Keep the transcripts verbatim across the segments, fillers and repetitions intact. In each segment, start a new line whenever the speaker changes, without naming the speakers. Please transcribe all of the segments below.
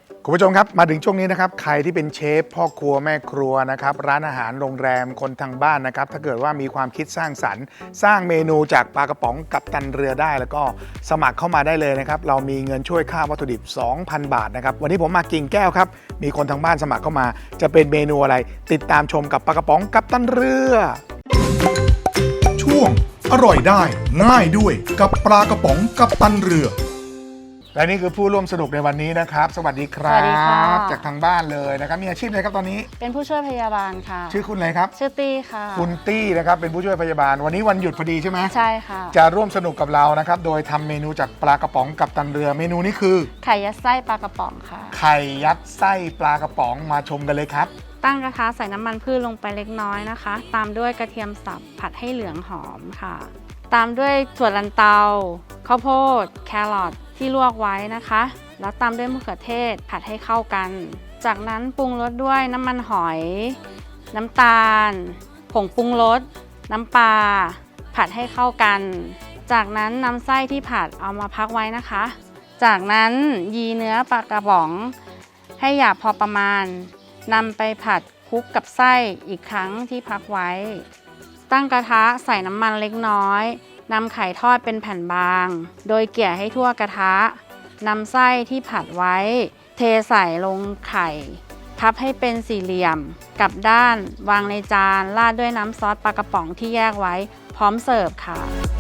คุณผู้ชมครับมาถึงช่วงนี้นะครับใครที่เป็นเชฟพ่อครัวแม่ครัวนะครับร้านอาหารโรงแรมคนทางบ้านนะครับถ้าเกิดว่ามีความคิดสร้างสรรค์สร้างเมนูจากปลากระป๋องกัปตันเรือได้แล้วก็สมัครเข้ามาได้เลยนะครับเรามีเงินช่วยค่าวัตถุดิบ สองพัน บาทนะครับวันนี้ผมมากิ่งแก้วครับมีคนทางบ้านสมัครเข้ามาจะเป็นเมนูอะไรติดตามชมกับปลากระป๋องกัปตันเรือ
ช่วงอร่อยได้ง่ายด้วยกับปลากระป๋องกัปตันเรือ
และนี่คือผู้ร่วมสนุกในวันนี้นะครับสวัสดีครับ
สวัสดีค่ะ
จากทางบ้านเลยนะครับมีอาชีพอะไรครับตอนนี้
เป็นผู้ช่วยพยาบาลค่ะ
ชื่อคุณอะไรครับ
ชื่อตี้ค่ะ
คุณตี้นะครับเป็นผู้ช่วยพยาบาลวันนี้วันหยุดพอดีใช่ไหม
ใช่ค่ะ
จะร่วมสนุกกับเรานะครับโดยทำเมนูจากปลากระป๋องกัปตันเรือเมนูนี้คือ
ไข่ยัดไส้ปลากระป๋องค่ะ
ไข่ยัดไส้ปลากระป๋องมาชมกันเลยครับ
ตั้งกระทะใส่น้ำมันพืชลงไปเล็กน้อยนะคะตามด้วยกระเทียมสับผัดให้เหลืองหอมค่ะตามด้วยถั่วลันเตาข้าวโพดแครอทที่ลวกไว้นะคะแล้วตามด้วยมะเขือเทศผัดให้เข้ากันจากนั้นปรุงรสด้วยน้ำมันหอยน้ำตาลผงปรุงรสน้ำปลาผัดให้เข้ากันจากนั้นนำไส้ที่ผัดเอามาพักไว้นะคะจากนั้นยีเนื้อปลากระป๋องให้หยาบพอประมาณนำไปผัดคลุกกับไส้อีกครั้งที่พักไว้ตั้งกระทะใส่น้ำมันเล็กน้อยนำไข่ทอดเป็นแผ่นบางโดยเกี่ยให้ทั่วกระทะนำไส้ที่ผัดไว้เทใส่ลงไข่พับให้เป็นสี่เหลี่ยมกลับด้านวางในจานราดด้วยน้ำซอสปลากระป๋องที่แยกไว้พร้อมเสิร์ฟค่ะ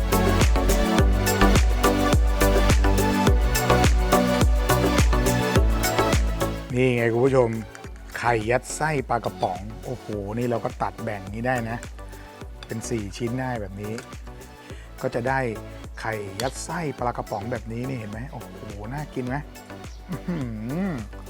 นี่ไงคุณผู้ชมไข่ยัดไส้ปลากระป๋องโอ้โหนี่เราก็ตัดแบ่งนี้ได้นะเป็นสี่ชิ้นได้แบบนี้ก็จะได้ไข่ยัดไส้ปลากระป๋องแบบนี้นี่เห็นไหมโอ้โหน่ากินไหมอืม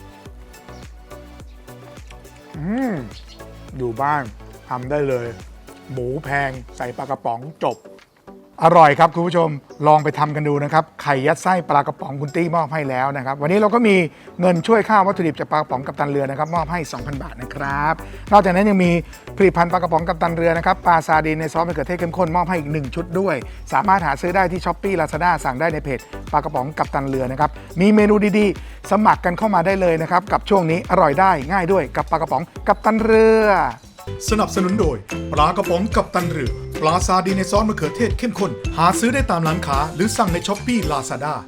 อืมอยู่บ้านทำได้เลยหมูแพงใส่ปลากระป๋องจบอร่อยครับคุณผู้ชมลองไปทำกันดูนะครับไข่ยัดไส้ปลากระป๋องคุณตี้มอบให้แล้วนะครับวันนี้เราก็มีเงินช่วยค่าวัตถุดิบจากปลากระป๋องกัปตันเรือนะครับมอบให้ สองพัน บาทนะครับนอกจากนั้นยังมีผลิตภัณฑ์ปลากระป๋องกัปตันเรือนะครับปลาซาดีนในซอสมะเขือเทศเข้มข้นมอบให้อีกหนึ่งชุดด้วยสามารถหาซื้อได้ที่ ช้อปปี้ ลาซาด้า สั่งได้ในเพจปลากระป๋องกัปตันเรือนะครับมีเมนูดีๆสมัครกันเข้ามาได้เลยนะครับกับช่วงนี้อร่อยได้ง่ายด้วยกับปลากระป๋องกัปตันเรือ
สนับสนุนโดยปลากระป๋องกัปตันเรือปลาซาดีในซอสมะเขือเทศเข้มข้นหาซื้อได้ตามร้านค้าหรือสั่งในช้อปปี้ลาซาด้า